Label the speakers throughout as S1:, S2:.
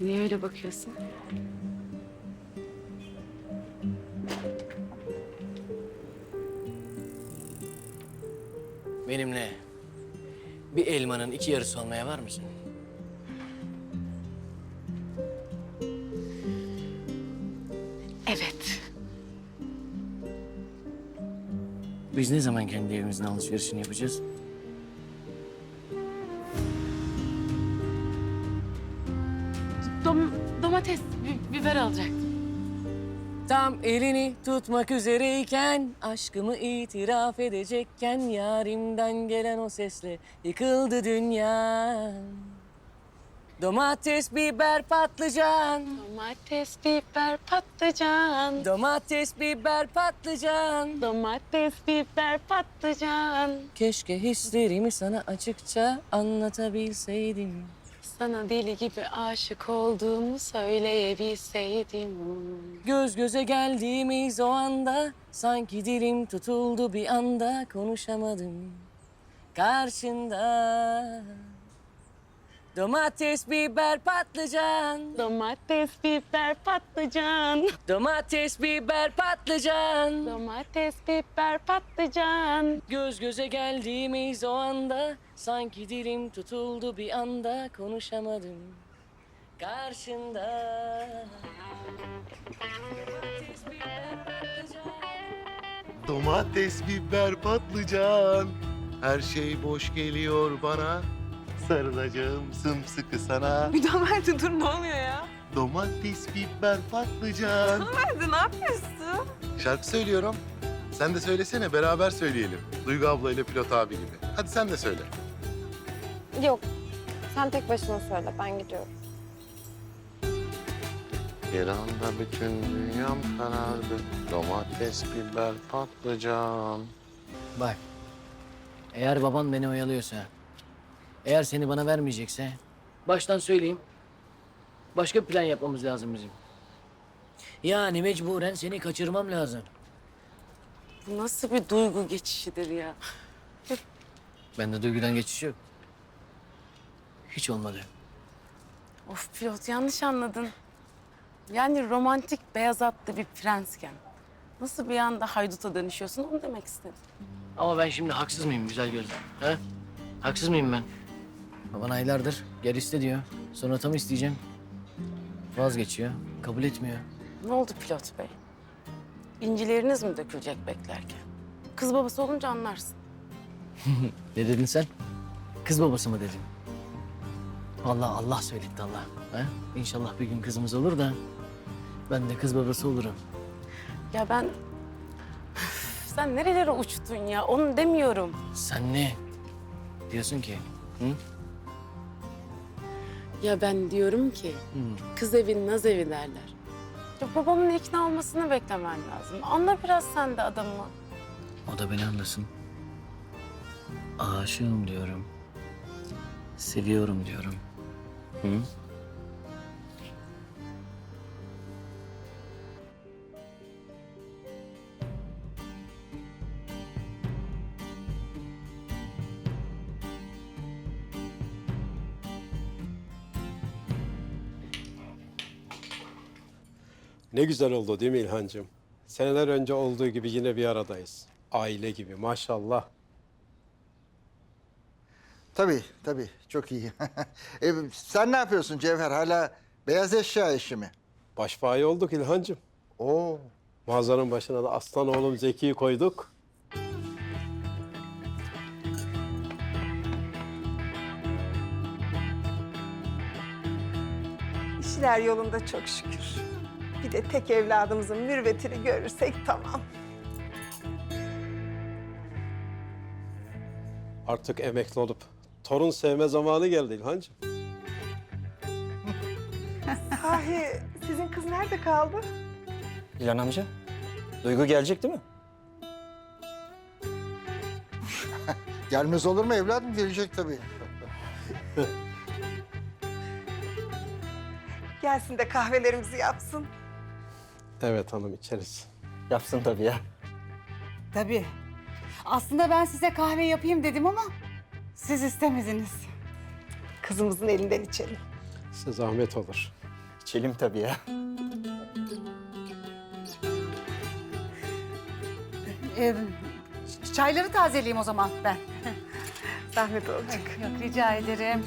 S1: Niye öyle bakıyorsun?
S2: Benimle bir elmanın iki yarısı olmaya var mısın?
S1: Evet.
S2: Biz ne zaman kendi evimizin alışverişini yapacağız?
S1: Domates, biber alacaktım.
S2: Tam elini tutmak üzereyken, aşkımı itiraf edecekken, yarimden gelen o sesle yıkıldı dünya. Domates, biber, patlıcan.
S1: Domates, biber, patlıcan.
S2: Domates, biber, patlıcan.
S1: Domates, biber, patlıcan.
S2: Keşke hislerimi sana açıkça anlatabilseydim.
S1: Sana deli gibi aşık olduğumu söyleyebilseydim.
S2: Göz göze geldiğimiz o anda, sanki dilim tutuldu bir anda, konuşamadım karşında. Domates, biber, patlıcan.
S1: Domates, biber, patlıcan.
S2: Domates, biber, patlıcan.
S1: Domates, biber, patlıcan.
S2: Göz göze geldiğimiz o anda, sanki dilim tutuldu bir anda, konuşamadım karşında. Domates, biber, patlıcan.
S3: Domates, biber, patlıcan. Her şey boş geliyor bana. Sarılacağım sımsıkı sana.
S4: Müdamer'de dur, ne oluyor ya?
S3: Domates, biber, patlıcan.
S4: Müdamer'de ne yapıyorsun?
S3: Şarkı söylüyorum. Sen de söylesene, beraber söyleyelim. Duygu abla ile Pilot abi gibi. Hadi sen de söyle.
S5: Yok, sen tek başına söyle, ben gidiyorum.
S3: Bir anda bütün dünyam karardı. Domates, biber, patlıcan.
S2: Bak, eğer baban beni oyalıyorsa, eğer seni bana vermeyecekse, baştan söyleyeyim, başka bir plan yapmamız lazım bizim. Yani mecburen seni kaçırmam lazım.
S1: Bu nasıl bir duygu geçişidir ya?
S2: Bende duygudan geçiş yok. Hiç olmadı.
S1: Of pilot, yanlış anladın. Yani romantik beyaz atlı bir prensken nasıl bir anda hayduta dönüşüyorsun, onu demek istedim.
S2: Ama ben şimdi haksız mıyım güzel gözlüm? He? Haksız mıyım ben? Baban aylardır gel iste diyor. Sonra tam isteyeceğim. Vazgeçiyor. Kabul etmiyor.
S1: Ne oldu pilot bey? İncileriniz mi dökülecek beklerken? Kız babası olunca anlarsın.
S2: Ne dedin sen? Kız babası mı dedin? Vallahi Allah söyletti Allah. He? İnşallah bir gün kızımız olur da ben de kız babası olurum.
S1: Ya ben... Üf, sen nerelere uçtun ya? Onu demiyorum.
S2: Sen ne diyorsun ki? Hı?
S1: Ya ben diyorum ki kız evi naz evi derler. Ya babamın ikna olmasını beklemen lazım. Anla biraz sen de adamı.
S2: O da beni anlasın. Aşığım diyorum. Seviyorum diyorum. Hı?
S6: Ne güzel oldu değil mi İlhancığım? Seneler önce olduğu gibi yine bir aradayız. Aile gibi maşallah.
S7: Tabii, tabii. Çok iyi. Sen ne yapıyorsun Cevher? Hala beyaz eşya işi mi?
S6: Başbağı olduk İlhancığım.
S7: Oo.
S6: Mağazanın başına da aslan oğlum Zeki'yi koyduk.
S4: İşler yolunda çok şükür. Bir de tek evladımızın mürvetini görürsek tamam.
S6: Artık emekli olup torun sevme zamanı geldi İlhancığım.
S4: Sahi sizin kız nerede kaldı?
S8: İlhan amca, Duygu gelecek değil mi?
S7: Gelmez olur mu evladım? Gelecek tabii.
S4: Gelsin de kahvelerimizi yapsın.
S6: Evet hanım içeriz.
S8: Yapsın tabii ya.
S9: Tabii. Aslında ben size kahve yapayım dedim ama siz istemediniz.
S4: Kızımızın elinden içelim.
S6: Size zahmet olur.
S8: İçelim tabii ya.
S9: Ee, çayları tazeleyeyim o zaman ben.
S4: Zahmet olacak.
S9: Yok rica ederim.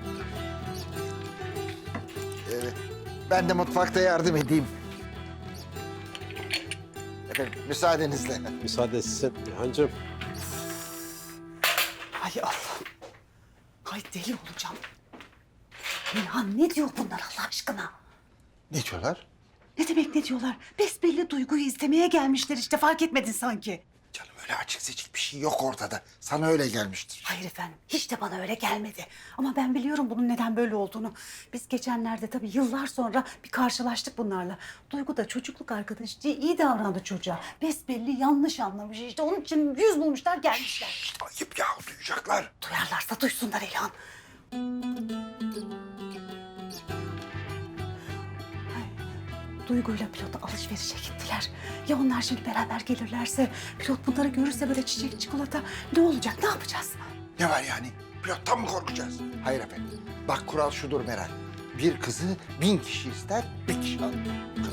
S7: Ben de mutfakta yardım edeyim. Efendim müsaadenizle.
S6: Müsaade sizin İlhancığım.
S9: Ay Allah. Ay deli olacağım. İlhan ne diyor bunlar Allah aşkına?
S7: Ne diyorlar?
S9: Ne demek ne diyorlar? Besbelli Duygu'yu istemeye gelmişler işte fark etmedin sanki.
S7: Canım öyle açık seçik bir şey yok ortada. Sana öyle gelmiştir.
S9: Hayır efendim hiç de bana öyle gelmedi. Ama ben biliyorum bunun neden böyle olduğunu. Biz geçenlerde tabii yıllar sonra bir karşılaştık bunlarla. Duygu da çocukluk arkadaşı diye iyi davrandı çocuğa. Besbelli yanlış anlamış işte onun için yüz bulmuşlar gelmişler.
S7: İşte ayıp ya duyacaklar.
S9: Duyarlarsa duysunlar İlhan. Duygu'yla pilot alışverişe gittiler. Ya onlar şimdi beraber gelirlerse, pilot bunları görürse böyle çiçek, çikolata ne olacak, ne yapacağız?
S7: Ne var yani? Pilottan mı korkacağız? Hayır efendim. Bak kural şudur Meral. Bir kızı 1000 kişi ister, bir kişi alır.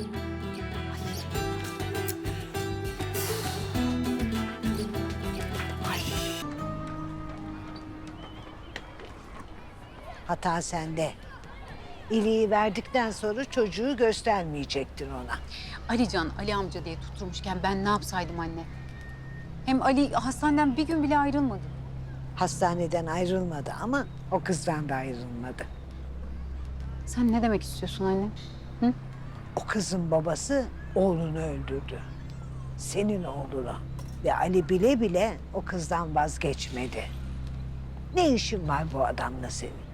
S10: Hata sende. İliği verdikten sonra çocuğu göstermeyecektin ona.
S11: Alican, Ali amca diye tutturmuşken ben ne yapsaydım anne? Hem Ali hastaneden bir gün bile ayrılmadı.
S10: Hastaneden ayrılmadı ama o kızdan da ayrılmadı.
S11: Sen ne demek istiyorsun anne?
S10: O kızın babası oğlunu öldürdü. Senin oğlunu. Ve Ali bile bile o kızdan vazgeçmedi. Ne işin var bu adamla senin?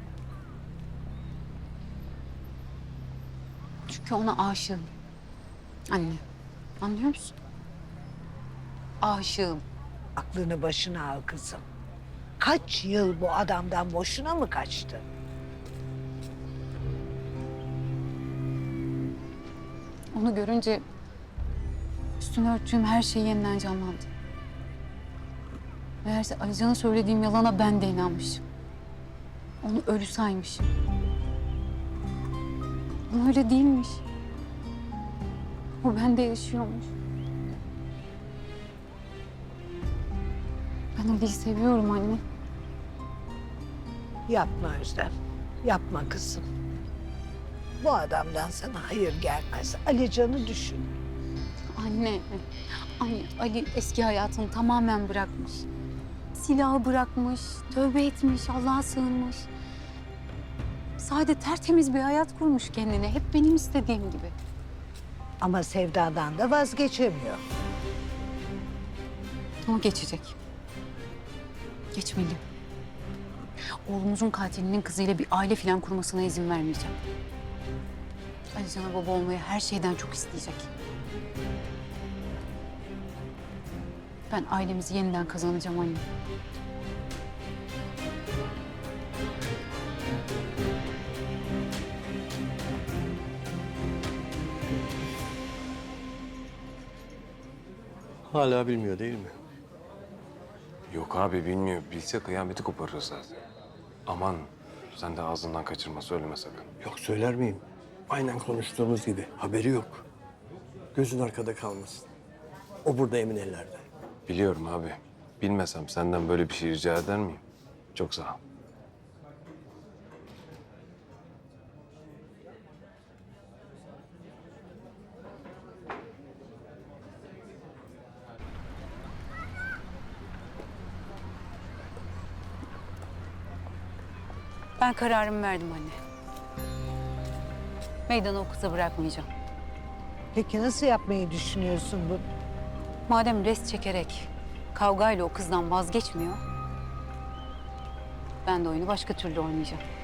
S11: Çünkü ona aşığım. Anne, anlıyor musun? Aşığım.
S10: Aklını başına al kızım. Kaç yıl bu adamdan boşuna mı kaçtı?
S11: Onu görünce üstüne örttüğüm her şey yeniden canlandı. Meğerse Alican'a söylediğim yalana ben de inanmışım. Onu ölü saymışım. Ama öyle değilmiş. O bende yaşıyormuş. Ben Ali'yi seviyorum anne.
S10: Yapma Özlem. Yapma kızım. Bu adamdan sana hayır gelmez. Alican'ı düşün.
S11: Anne, Ali eski hayatını tamamen bırakmış. Silahı bırakmış, tövbe etmiş, Allah'a sığınmış. Sade tertemiz bir hayat kurmuş kendine. Hep benim istediğim gibi.
S10: Ama sevdadan da vazgeçemiyor.
S11: Ama geçecek. Geçmeli. Oğlumuzun katilinin kızıyla bir aile falan kurmasına izin vermeyeceğim. Alican'a baba olmayı her şeyden çok isteyecek. Ben ailemizi yeniden kazanacağım anne.
S6: Hala bilmiyor değil mi?
S12: Yok abi bilmiyor. Bilse kıyameti koparır zaten. Aman sen de ağzından kaçırma söyleme sakın.
S6: Yok söyler miyim? Aynen konuştuğumuz gibi. Haberi yok. Gözün arkada kalmasın. O burada emin ellerde.
S12: Biliyorum abi. Bilmesem senden böyle bir şey rica eder miyim? Çok sağ ol.
S11: Ben kararımı verdim anne. Meydanı o kıza bırakmayacağım.
S10: Peki nasıl yapmayı düşünüyorsun bunu?
S11: Madem rest çekerek kavgayla o kızdan vazgeçmiyor... ben de oyunu başka türlü oynayacağım.